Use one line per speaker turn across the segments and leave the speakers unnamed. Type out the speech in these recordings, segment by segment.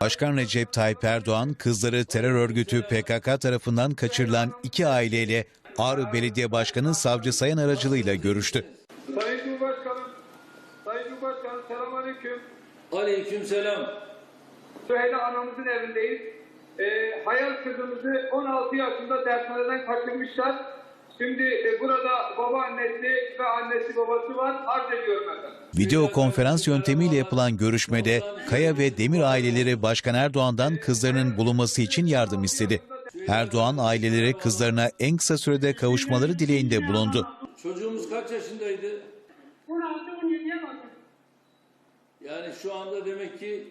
Başkan Recep Tayyip Erdoğan, kızları terör örgütü PKK tarafından kaçırılan 2 aileyle Ağrı Belediye Başkanı Savcı Sayan aracılığıyla görüştü.
Sayın Cumhurbaşkanım, selamünaleyküm.
Aleykümselam.
Süheyla anamızın evindeyiz. Hayal kızımızı 16 yaşında dershaneden kaçırmışlar. Şimdi burada babaannesi ve annesi babası var. Arz ediyorum efendim.
Video konferans yöntemiyle yapılan görüşmede Kaya ve Demir aileleri Başkan Erdoğan'dan kızlarının bulunması için yardım istedi. Erdoğan ailelere kızlarına en kısa sürede kavuşmaları dileğinde bulundu.
Çocuğumuz kaç yaşındaydı?
16-17'ye bakın.
Yani şu anda demek ki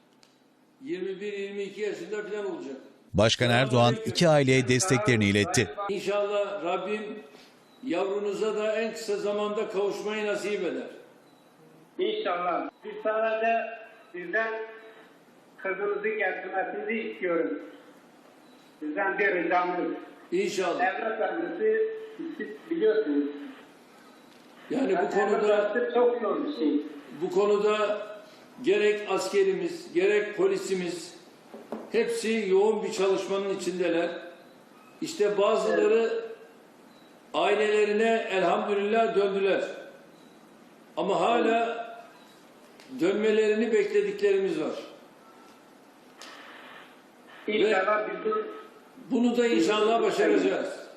21-22 yaşında falan olacak.
Başkan Erdoğan 2 aileye desteklerini iletti.
İnşallah Rabbim yavrunuza da en kısa zamanda kavuşmayı nasip eder.
İnşallah. Biz sadece sizden kızınızı getirmesini istiyoruz. Sizden bir ricamız.
İnşallah.
Evlat vermesi siz biliyorsunuz.
Yani
çok zor bir şey.
bu konuda gerek askerimiz, gerek polisimiz hepsi yoğun bir çalışmanın içindeler. İşte bazıları ailelerine elhamdülillah döndüler. Ama hala dönmelerini beklediklerimiz var.
İnşallah
bunu da inşallah başaracağız.